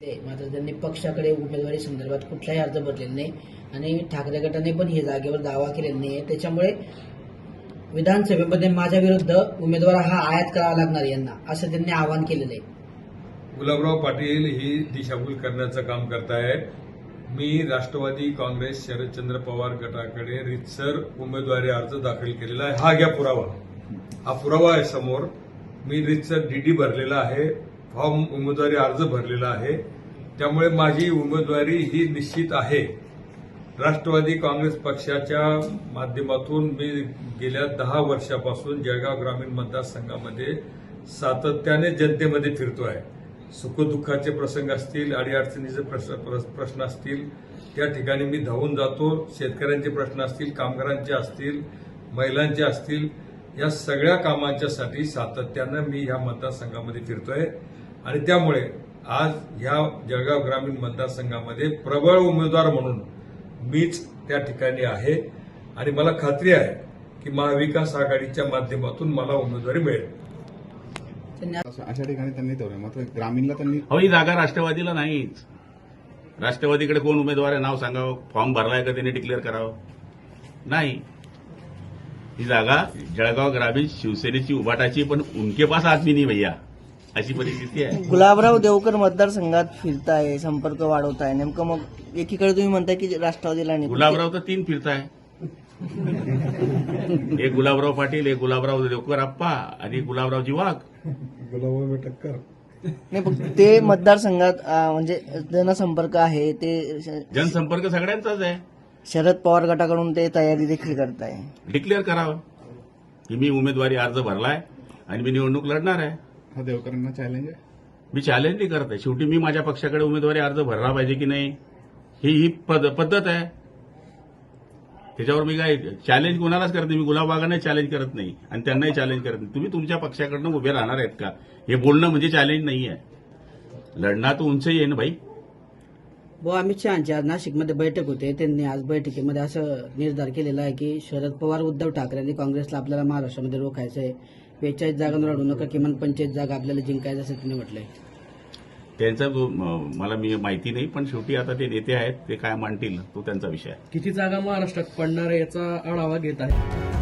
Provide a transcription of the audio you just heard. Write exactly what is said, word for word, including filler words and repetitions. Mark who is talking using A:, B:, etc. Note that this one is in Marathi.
A: मात्र त्यांनी पक्षाकडे उमेदवारी संदर्भात कुठलाही अर्ज भरलेला नाही आणि ठाकरे गटाने पण हे जागेवर दावा केलेला नाही. त्याच्यामुळे विधानसभेमध्ये माझ्या विरुद्ध उमेदवार हा आयात करावा लागणार यांना, असं त्यांनी आवाहन केलेलं आहे.
B: गुलाबराव पाटील ही दिशाभूल करण्याचं काम करतायत. मी राष्ट्रवादी काँग्रेस शरदचंद्र पवार गटाकडे रितसर उमेदवारी अर्ज दाखल केलेला आहे. हा घ्या पुरावा. हा पुरावा आहे समोर. मी रितसर डीडी भरलेला आहे, फॉर्म उमेदवारी अर्ज भरलेला आहे. त्यामुळे माझी उमेदवारी ही निश्चित आहे. राष्ट्रवादी काँग्रेस पक्षाच्या माध्यमातून मी गेल्या दहा वर्षापासून जळगाव ग्रामीण मतदारसंघामध्ये सातत्याने जनतेमध्ये फिरतोय. सुखदुःखाचे प्रसंग असतील, अडीअडचणीचे प्रश्न प्रश्न असतील, त्या ठिकाणी मी धावून जातो. शेतकऱ्यांचे प्रश्न असतील, कामगारांचे असतील, महिलांचे असतील, या सगळ्या कामांच्यासाठी सातत्यानं मी ह्या मतदारसंघामध्ये फिरतोय आणि त्यामुळे आज ह्या जळगाव ग्रामीण मतदारसंघामध्ये प्रबळ उमेदवार म्हणून मीच त्या ठिकाणी आहे आणि मला खात्री आहे की महाविकास आघाडीच्या माध्यमातून मला उमेदवारी मिळेल.
C: अशा ठिकाणी त्यांनी ठेवलं, मात्र ग्रामीणला त्यांनी
D: हो ही जागा राष्ट्रवादीला नाहीच. राष्ट्रवादीकडे कोण उमेदवार आहे नाव सांगावं, फॉर्म भरलाय का त्यांनी डिक्लेअर करावं? नाही, ही जागा जळगाव ग्रामीण शिवसेनेची उभाटाची, पण उनके पास आदमी नाही भैया, अशी परिस्थिती आहे.
E: गुलाबराव देवकर मतदारसंघात फिरताय, संपर्क वाढवताय, नेमकं मग एकीकडे तुम्ही म्हणताय की राष्ट्रवादीला नाही,
D: गुलाबराव तर तीन फिरताय. एक गुलाबराव पाटील, एक गुलाबराव देवकर आप्पा आणि गुलाबरावजी वाघ.
E: नाही फक्त ते मतदारसंघात अं, म्हणजे जनसंपर्क आहे ते श-
D: जनसंपर्क सगळ्यांचाच आहे.
E: शरद पवार गटाकडून ते तयारी देखील करताय.
D: डिक्लेअर करावं की मी उमेदवारी अर्ज भरलाय आणि मी निवडणूक लढणार आहे.
C: हा देवकरांना चॅलेंज आहे.
D: मी चॅलेंज नाही करत आहे. शेवटी मी माझ्या पक्षाकडे उमेदवारी अर्ज भरला पाहिजे की नाही, ही ही पद- पद्धत आहे. त्याच्यावर मी काय चॅलेंज कोणालाच करत नाही. मी गुलाबबागांना चॅलेंज करत नाही आणि त्यांनाही चॅलेंज करत नाही. तुम्ही तुमच्या पक्षाकडनं उभे राहणार आहेत का, हे बोलणं म्हणजे चॅलेंज नाही आहे. लढणार तर उंचही आहे ना भाई.
A: व अमित शहाची आज नाशिकमध्ये बैठक होते. त्यांनी आज बैठकीमध्ये असं निर्धार केलेला आहे की शरद पवार, उद्धव ठाकरे आणि काँग्रेसला आपल्याला महाराष्ट्रामध्ये रोखायचं आहे. बेचाळीस जागा लढू नका, किमान पंचेचाळीस जागा आपल्याला जिंकायचं असं त्यांनी म्हटलंय.
D: त्यांचा जो म- मला मी माहिती नाही, पण शेवटी आता ते नेते आहेत, ते काय मांडतील तो त्यांचा विषय आहे.
F: किती जागा महाराष्ट्रात पडणार आहे याचा आढावा घेत आहे.